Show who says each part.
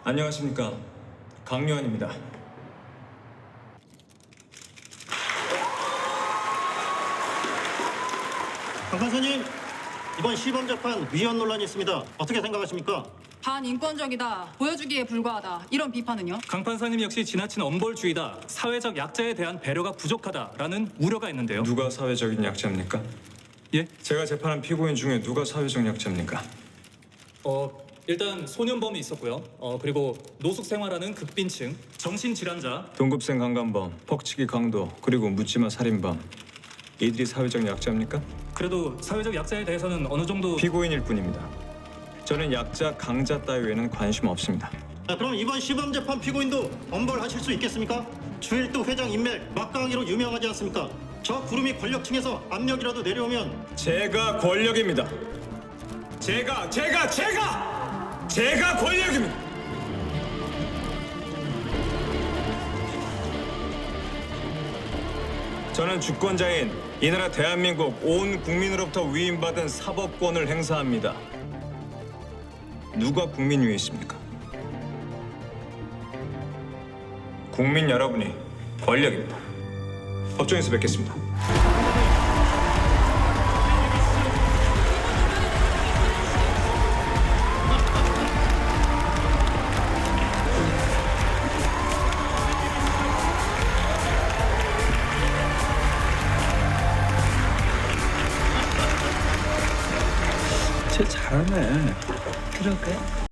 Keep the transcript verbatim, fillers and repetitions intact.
Speaker 1: 안녕하십니까, 강요한입니다.
Speaker 2: 강 판사님, 이번 시범 재판 위헌 논란이 있습니다. 어떻게 생각하십니까?
Speaker 3: 반인권적이다, 보여주기에 불과하다, 이런 비판은요?
Speaker 4: 강 판사님 역시 지나친 엄벌주의다, 사회적 약자에 대한 배려가 부족하다라는 우려가 있는데요.
Speaker 1: 누가 사회적인 약자입니까?
Speaker 4: 예?
Speaker 1: 제가 재판한 피고인 중에 누가 사회적 약자입니까?
Speaker 4: 어 일단 소년범이 있었고요. 어 그리고 노숙 생활하는 극빈층, 정신질환자.
Speaker 1: 동급생 강간범, 퍽치기 강도, 그리고 묻지마 살인범. 이들이 사회적 약자입니까?
Speaker 4: 그래도 사회적 약자에 대해서는 어느 정도
Speaker 1: 피고인일 뿐입니다. 저는 약자, 강자 따위에는 관심 없습니다.
Speaker 2: 자, 그럼 이번 시범 재판 피고인도 엄벌하실 수 있겠습니까? 주일도 회장 인맥 막강하기로 유명하지 않습니까? 저 구름이 권력층에서 압력이라도 내려오면
Speaker 1: 제가 권력입니다. 제가, 제가, 제가! 제가 권력입니다! 저는 주권자인 이 나라 대한민국 온 국민으로부터 위임받은 사법권을 행사합니다. 누가 국민 위에 있습니까? 국민 여러분이 권력입니다. 법정에서 뵙겠습니다.
Speaker 5: 쟤 잘하네. 그러게.